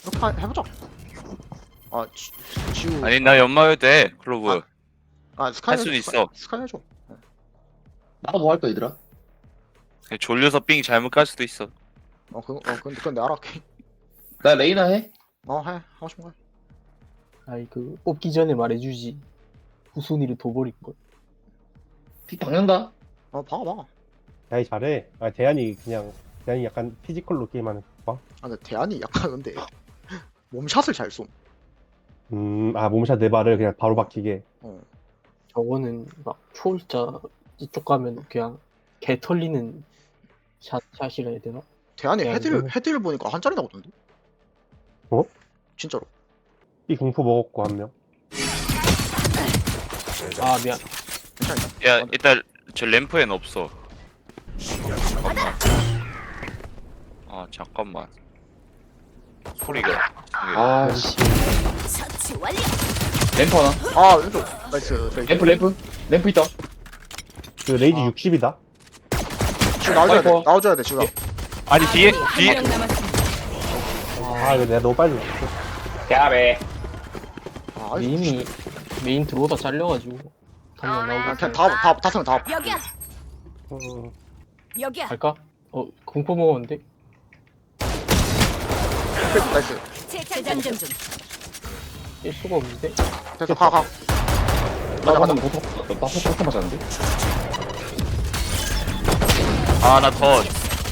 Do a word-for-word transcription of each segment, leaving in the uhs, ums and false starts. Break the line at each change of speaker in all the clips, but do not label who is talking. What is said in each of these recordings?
그렇게 하- 해보자. 아 지, 지우.
아니 나 연마해도 돼 클로브.
아 스카이
할 수도
해줘,
있어.
스카이 해줘.
나도 뭐 할 거야 얘들아?
그냥 졸려서 삥 잘못 깔 수도 있어.
어 그거 어 근데 근데 알아게.
나 레이나 해?
어해 하고 싶은 거 해.
아이 그 뽑기 전에 말해주지. 후순위를 둬버릴 걸.
픽 박는다?
어 봐봐 봐.
야이 잘해. 아 대한이 그냥 대한이 약간 피지컬로 게임하는 거 봐.
아 근데 대안이 약간 근데 몸샷을 잘 쏨.
음아 몸샷 네 발을 그냥 바로 박히게.
어.
저거는 막 초월자 이쪽 가면 그냥 개 털리는 샷 샷이라 해야 되나?
대안이
야,
헤드를
이거는-
헤드를 보니까 한 자리 나오던데.
어?
진짜로.
이 공포 먹었고 한 명.
아 미안.
괜찮아.
야 일단 저 램프엔 없어. 잠깐만. 아 잠깐만. 소리가.
아씨
처치 완료.
램프 하나
아 왼쪽. 나이스. 레이지.
램프 램프 램프 있다
그 레이지
아.
육십이다.
지금 나와줘야 돼.
아이고.
나와줘야 돼 지금.
아니 뒤에
아군이
뒤에.
한 명 남았습니다.
아 이거 내가 너무 빨리 넣었어.
야배
아 아이고.
메인이 메인 들어오다 잘려가지고 한명
아,
나오고
그냥 다다 다섯 다.
여기야.
어,
여기야.
갈까? 어 공포 먹었는데?
나이스.
재장전 중.
뺄 수가 없는데?
됐어 가 가.
나 방금 보통 나 포토 포토 맞았는데?
아나 더.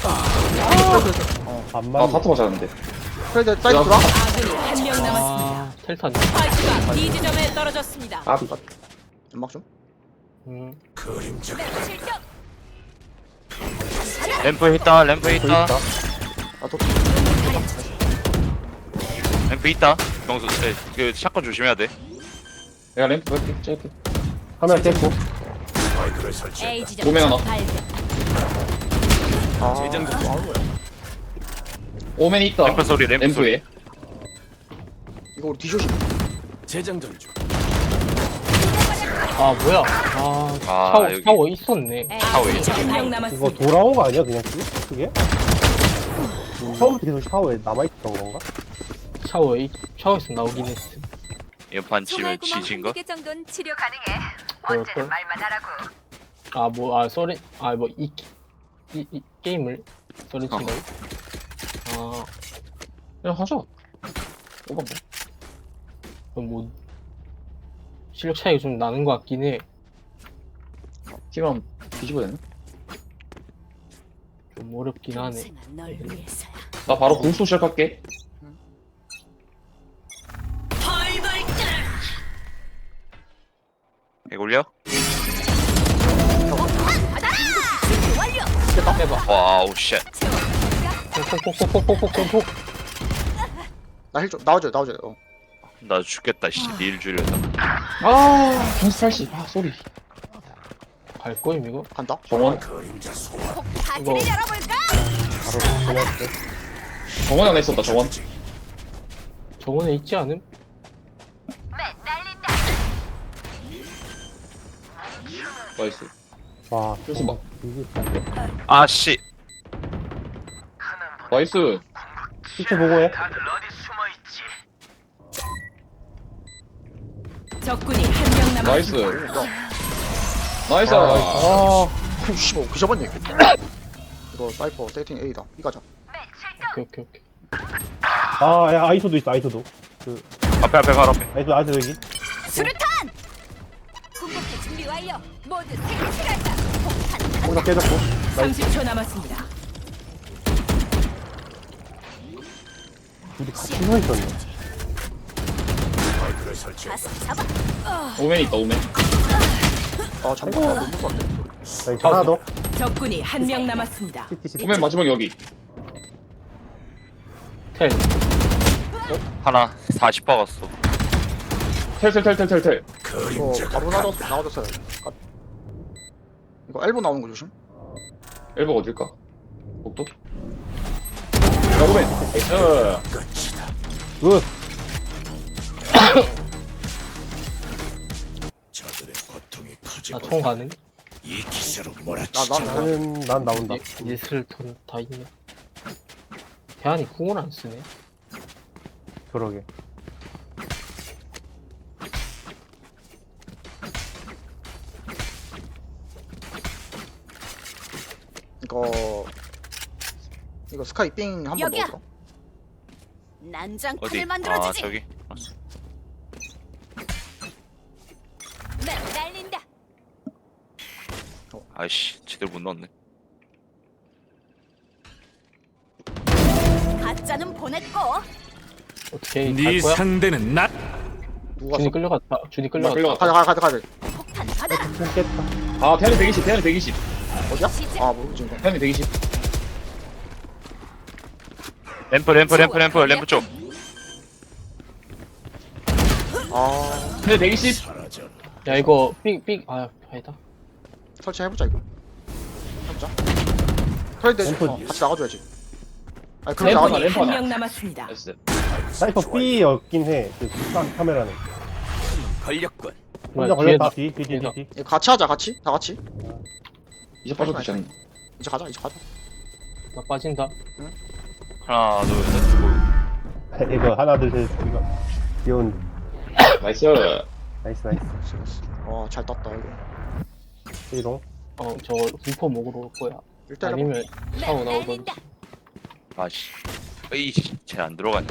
반만.
아 파토 맞았는데
그래 이제 사이드 들어와.
아군이 한 명 남았습니다.
아 텔탄.
스파이크가 B 지점에 떨어졌습니다.
아비
연막 좀.
음
실격.
램프 있다 램프 있다
아또
램프 있다. 병수 네, 그 샷건 조심해야 돼.
내가 램프 할게 짧게
카메라 깼고.
A 지점
오멘 하나.
발견.
아. 또 아는 거야.
오멘 있다
램프 소리 램프 소리.
램프에
이거 우리 디쇼시.
아 뭐야? 아
아,
샤워
여기.
샤워 있었네.
아군이 한 명
이거
남았습니다.
돌아온 거 아니야 그냥 그게? 그게? 처음부터 계속 샤워에 남아있던 건가?
샤워 이 샤워에서 나오긴 했어.
연판 치면 지진 거?
정도는 치료 가능해.
그럴걸? 아뭐 아 썰이 아뭐 이 이, 이 게임을 썰이 친다고? 아
그냥 하자 오바 뭐
그럼 뭐 실력 차이가 좀 나는 것 같긴 해.
팀은 뒤집어야 되나?
좀 어렵긴 하네.
평생은 널 위해서야.
나 바로 궁수 시작할게
이거 올려?
완료.
해봐.
와우 쉣.
폭폭폭폭폭폭폭.
나힐 좀 나와줘요 나와줘요. 어.
나 죽겠다 씨. 닐 줄였다.
아 궁수 팔십 아 쏘리
갈 거임 이거?
간다.
정원
파티를 열어볼까?
바로 그냥
정원 하나 있었다 정원
저번에 있지 않음?
나이스
와.
그래서 막
이게
아씨.
나이스
실체 보고해.
적군이 한 명
나이스
남았습니다.
나이스
아. 씨발 그 잡았네. 이거 사이퍼 세팅 A다. B 가자.
오케이 오케이 오케이.
아, 야, 아이소도 있어, 아이소도.
앞에 앞에 바로 앞에.
아이소, 아이소 여기.
수류탄. 궁극기 준비 완료. 모두 생실한다. 폭탄.
거기다 깨졌고.
삼십 초 남았습니다.
둘이 같이 서 있었네.
가서 잡아.
오멘 있다 오멘
아 잠깐 아, 너무 무서운데.
자, 이거 하나 더.
적군이 한 명 남았습니다.
시티, 시티.
오멘 마지막 여기
텔.
하나 사십 박았어.
텔텔텔텔텔텔
이거 바로 나와줬 나와줬어요. 아. 이거 엘보 나오는 거 조심.
엘보 어딜까? 복도? 야 오멘 나이스
굿.
나총 가능?
나나 나.
나는, 난 나온다.
예슬 턴다 있네. 대한이 궁을 안 쓰네.
그러게.
이거 이거 스카이 삥 한 번
여기야.
넣어줘.
난장판을
어디? 아
만들어주지.
저기.
맵 날린다.
아이씨 제대로 못 넣었네.
가짜는 보냈고.
어떻게
네
갈 거야?
상대는 나.
누가
준이 끌려갔다. 준이
나
끌려갔다.
끌려갔다.
가자 가자 가자 가자.
폭탄 받아라.
좀 깼다.
아 태연이 백이십 태연이 백이십
어디야?
시작.
아 모르지 이거.
태연이 백이십
램프 램프 램프 램프 램프 쪽.
아
태연이 백이십
야 이거 삑삑 아 아니다.
설치해보자 이거. 해보자. 털대
램프.
어, 같이 나가줘야지. 아니 그럼
램프
나가자.
하나, 램프
한
하나.
명 남았습니다.
나이스
사이퍼 B였긴 해. 그 카- 카메라는.
걸렸군.
혼자
뭐야,
걸렸다.
뒤에다-
뒤, 뒤, 뒤,
뒤에다.
뒤, 뒤.
이거 같이 하자 같이 다 같이.
이제 빠져도 되지 않나
이제 가자 이제 가자.
나 빠진다.
하나 둘셋 고.
이거 하나, 둘, 셋. 이거. 귀여운.
나이스
나이스, 나이스.
와잘 땄다 이거.
이동.
어저 불포 먹으러 올 거야.
일단
아니면 샤워
맵
나오던.
날린다.
아씨. 에이씨 쟤안 들어가네.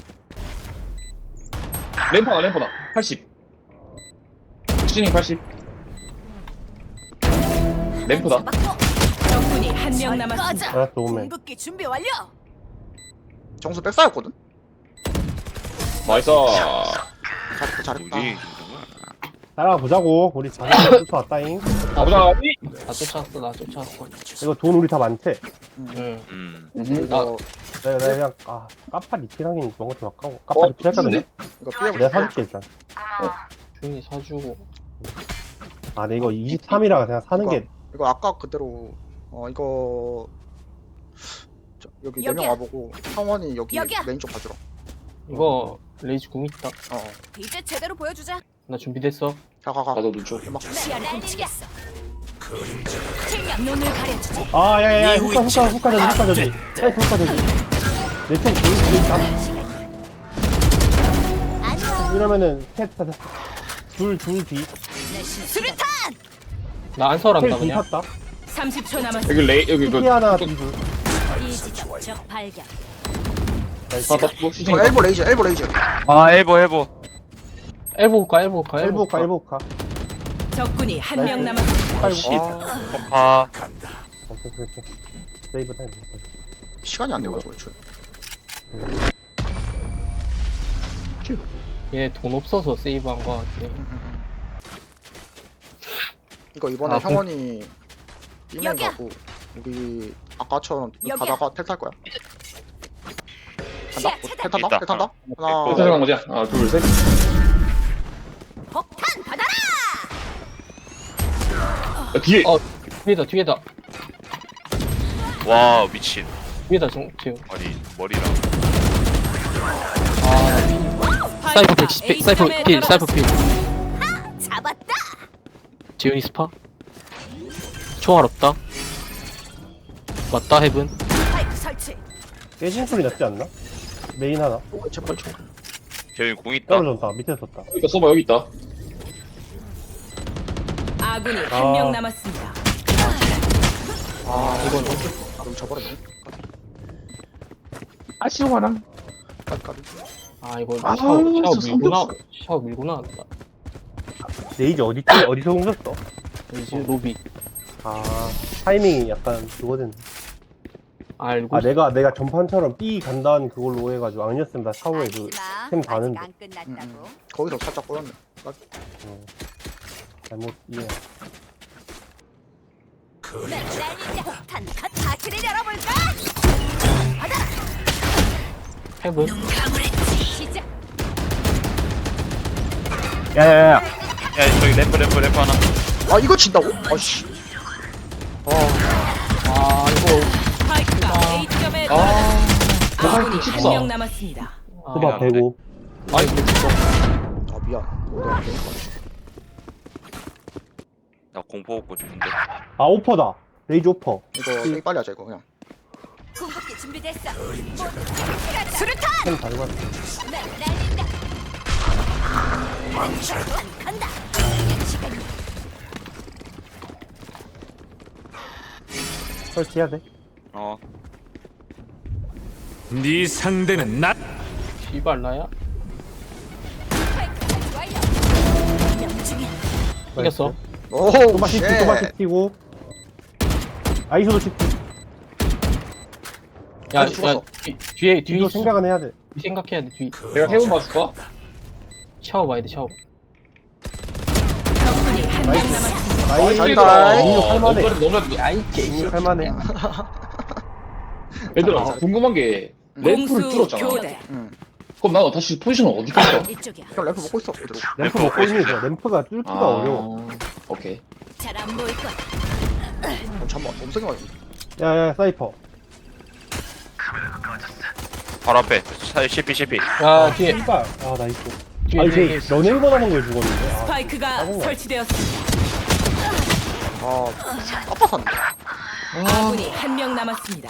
램프 하나 램프 하나 팔십 시닝 팔십 램프다
잡았고. 적군이 한 명
아,
아, 남았습니다.
알았어, 오면.
궁극기 준비 완료.
정수 백사였거든.
나이스
잘했다 잘했다.
뭐지?
따라가 보자고. 우리 자기 쫓아왔다잉.
가보자
나 쫓아왔어. 나 쫓아왔어.
이거 돈 우리 다 많대.
응.
음.
이거
내가, 내가 그냥, 아, 까파 리필하긴 뭔가 좀 아까워. 까파
어,
리필할까는데?
이거 삐에
내가 사줄게, 일단.
준이 사주고.
아, 근데 이거 이십삼이라 그냥 사는 게.
이거 아까 그대로 어 이거 저, 여기 네 명
여기야.
와보고 성원이 여기
여기야.
메인 쪽 봐주라.
이거 레이지 궁 있다.
어.
이제 제대로 보여주자.
나 준비됐어.
가가가.
나도 눈쳐
막
시야를 훔치겠어. 실력 눈을 가려주지.
아, 야, 야, 야,
네
후카, 후카, 후카 저지, 후카 저지. 사이프 후카 저지. 내총 둘, 둘, 다.
안녕.
이러면은, 셋, 다, 둘, 둘, 뒤.
내 수류탄.
나 안설한다
셋, 뒤
그냥.
탔다.
삼십 초 남았습니다.
여기 레이 여기
피
그
하나, 뒤, 둘.
이지적 적 발견.
나이스.
나다 뭐 시닝
저 엘보 레이저 엘보 레이저.
아 엘보 엘보.
엘보 가 엘보 가
엘보 후카, 엘보 후카.
적군이 한 명
나이스.
남았습니다.
팔고.
아,
아
오케이, 오케이. 세이브 타임.
시간이 안 돼가지고 애초에.
얘 돈 없어서 세이브한 거 같아.
이거 이번에
아,
형원이 삐맨
여기야.
가고 우리 아까처럼
여기야.
가다가 텔 탈 거야.
시야
간다?
차단.
텔 탄다?
있다.
텔 탄다?
또
하나
생각한 거지? 하나 둘셋
폭탄 받아라.
뒤에
어 뒤에다 뒤에다
와 미친.
뒤에다 정 지금.
아니 머리랑.
아 사이퍼 백십 필 사이퍼 필 사이퍼 필.
잡았다.
지훈이 스파. 총알 없다. 맞다 헤븐.
파이프 설치.
깨진 소리 났지 않나? 메인 하나.
제발 좀.
재윤이 공 있다.
떨어졌다. 밑에 섰다.
여기 있다 써봐 여기 있다
아군이
아.
한 명 남았습니다.
아 이건 여기 져버렸네.
아쉬워라
까비 까비.
아 이거
아,
샤워 샤워
진짜
밀고 나
성격수.
샤워 밀고 나왔다.
레이지 어디, 있지? 어디서 옮겼어?
이제 로비
아, 타이밍이 약간 그거든.
알고.
아, 내가, 내가 전판처럼 B 간다는 그걸로 오해가지고. 아니었으면 나 샤워에 그, 템 다는데.
안 끝났다고.
음, 거기서 살짝 꼬였네. 까비.
어, 잘못 이해.
맵 날린다. 폭탄 컷. 파티를 열어볼까? 받아.
헤븐.
시작.
야야야.
야 저기 램프 램프 램프 하나.
아 이거 진다고? 아씨. 아
아 이거
스파이크가 A점에
아
떨어졌습니다. 아군이 한
십사.
명 남았습니다.
아,
수박 배고.
아 이거 진짜.
아 미안. 내가 괜히 걸렸어.
나 공포 먹고 싶은데.
아, 오퍼다. 레이지 오퍼.
이거 되게 빨리 하자 이거 그냥.
궁극기 준비됐어. 모두 같이 수류탄.
템 달고 왔어.
난 날린다. 난 간다. 시간이
설치해야 돼.
어.
네 상대는 나.
씨발 나야?
스파이크 설치 완료. 명중에
이겼어.
오,
또마시
쉣.
또마시 튀고. 아이소도 튀고.
야,
아직 죽었어.
야 뒤, 뒤에 뒤에
뒤도
있어.
생각은 해야 돼.
뒤 생각해야 돼. 뒤
내가 해본 맞을까?
샤워 봐야 돼. 샤워.
적군이 한 명 남았습니다.
나이
잘했다.
이거 할만해.
너무 너무
야이 개.
할만해.
얘들아 궁금한 게 램프를 뚫었잖아.
교대.
응.
그럼 나 다시 포지션을 어디 갔어?
이쪽이야.
그냥 램프 먹고 있어. 그대로.
램프
먹고
먹고 있는
있어.
거. 램프가 뚫기가 어려워.
오케이.
잘 안 보일 거야.
어, 잠깐만. 너무 세게 맞았어.
야야 사이퍼.
바로 앞에. 사- 씨피 씨피.
야 뒤에
씨발. 아 나이스.
뒤에
아니
뒤에.
쟤 연예인번 하는 거에 죽었는데. 아,
스파이크가
짜증나.
설치되었습니다.
아, 깝깝한데.
아군이 한 명 남았습니다.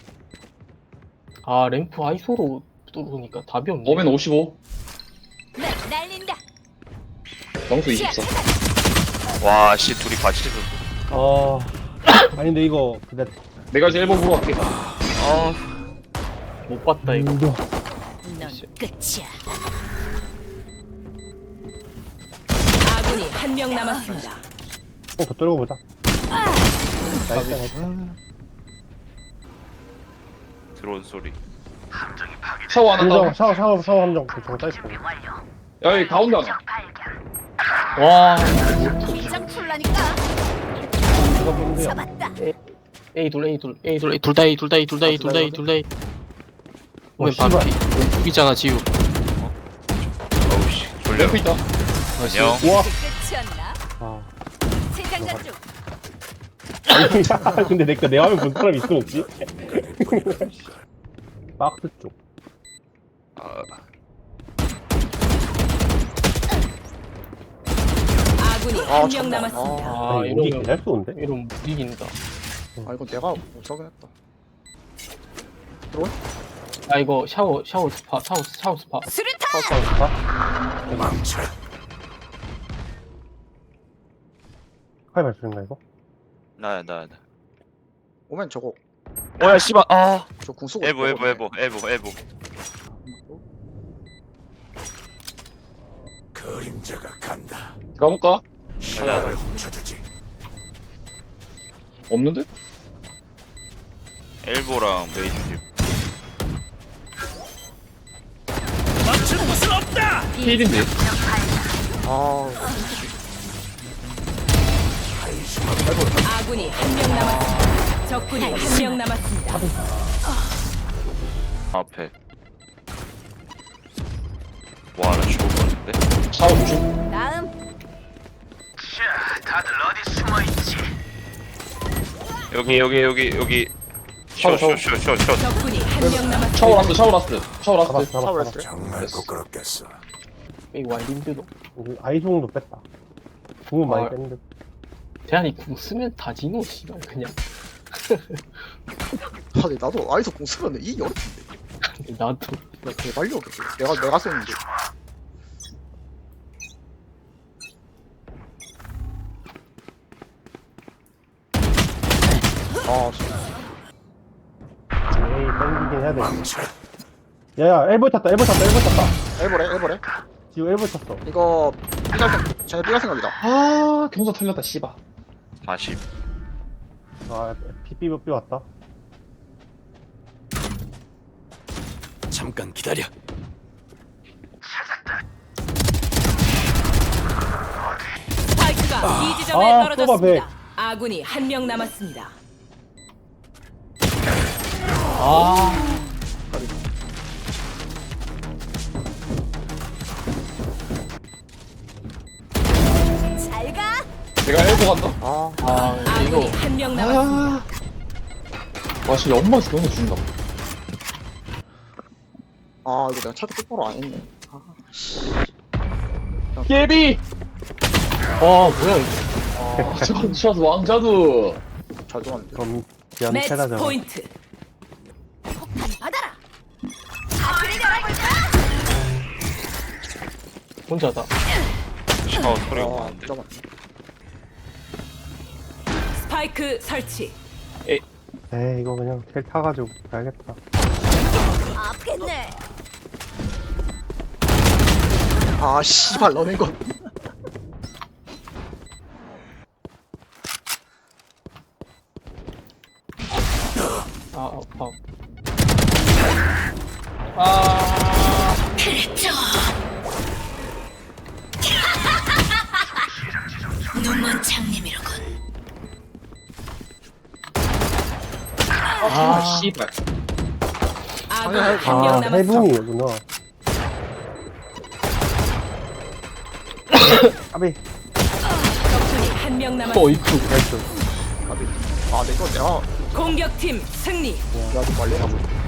아 램프 아이소로 뚫으니까 답이 없네.
오면 오십오.
난 날린다.
명수 이십사.
와, 씨, 둘이 같이 있었어.
아. 아니 근데 이거 근데
내가 이제 일 번 보러 갈게.
어.
못 봤다 이거.
이거
넌 끝이야. 아군이 한 명 남았습니다.
더 뚫고 보자. 나이스 나이스.
들어온 소리.
샤워 하나
함정
더.
샤워 샤워 샤워 함정 대충 사이퍼.
야 여기 가운데 하나.
와
긴장 풀라니까.
누가 보는데요?
잡았다.
A 둘 A 둘 A 둘 둘 다 A 둘 다 A 둘 다 A 둘 다 A 둘 다 A. 오면 바로
씨발.
B. 왼쪽이잖아 지우.
어우, 씨. 졸려.
램프 있다.
안녕.
와.
끝이었나?
아.
세장전 중.
아니, 근데 내가 내 화면 본 사람 있어 혹시? 박스 쪽.
아,
아군이
아,
한 명
잠깐만.
남았습니다.
아
아니, 여기
이러면
개잘 쏘는데?
이러면 못 이긴다.
아, 이거 내가 못하긴 했다. 들어올?
아 이거 샤워 샤워 스파 샤워 샤워 스파.
수류탄.
칼 발수인가 이거?
나야, 나야, 나.
오면 저거.
어, 야, 씨발. 아.
저 궁 쓰고.
에보,
있어.
에보, 에보, 에보, 에보.
그림자가 간다.
가볼까?
가자.
없는데?
엘보랑 메이지.
맞출 곳은 없다.
필인데.
아,
아군이 한 명 남았습니다. 적군이 한 명 남았습니다.
앞에. 와, 나 죽을 것 같은데?
샤워 조심.
다음.
여기, 여기, 여기, 여기.
샤워, 샤워.
쇼, 쇼, 쇼, 쇼, 쇼.
적군이 한 명 남았습니다.
샤워 라스트 샤워 라스트. 샤워 라스트.
잡았어 잡았어.
샤워했어요?
정말 부끄럽겠어.
A 와이 림드도.
여기 아이송도 뺐다. 궁은 많이
아.
뺐는데.
대한이 궁 쓰면 다 지노 씨발 그냥.
아니, 나도 아이소 궁 쓰면 이 어렵던데.
나도.
야, 개발려. 내가, 내가 썼는데. 아, 진짜.
에이 땡기긴 해야 돼. 야야 엘보 탔다 엘보 탔다 엘보 탔다.
엘보래, 엘보래.
지금 엘보 탔어.
이거, 삐갈 생, 쟤네 삐갈 생각이다.
아 경사 털렸다 씨발.
사십.
아 피삐삐 왔다.
잠깐 기다려.
스파이크가 이 지점에
아,
떨어졌습니다. 아군이 한 명 남았습니다.
아
잘 가.
내가 엘보 간다.
아,
아,
아군이
이거
한 명 남았습니다.
와 진짜 엄마에서 경사 준다.
아, 이거 내가 차도 똑바로 안 했네. 아,
예비.
와 뭐야 이거.
샷 왕자두.
잘 들어왔는데.
그럼 기한
매치
패다잖아.
포인트.
혼자다.
어 소리가
아
나는데.
잠깐만.
스파이크 설치.
에이 이거 그냥 텔 타가지고 가야겠다.
아프겠네.
아 씨발 너네 거.
아, 아파. 아,
그랬죠. 눈먼 장님이로군.
아, 씨발.
아군
아니,
한 명
아
남았어.
해븐이구나. 아비
적군이 한 명 남았어.
어이쿠.
나이스.
아 내거 내가
공격팀 승리.
내가 좀 빨리 가고.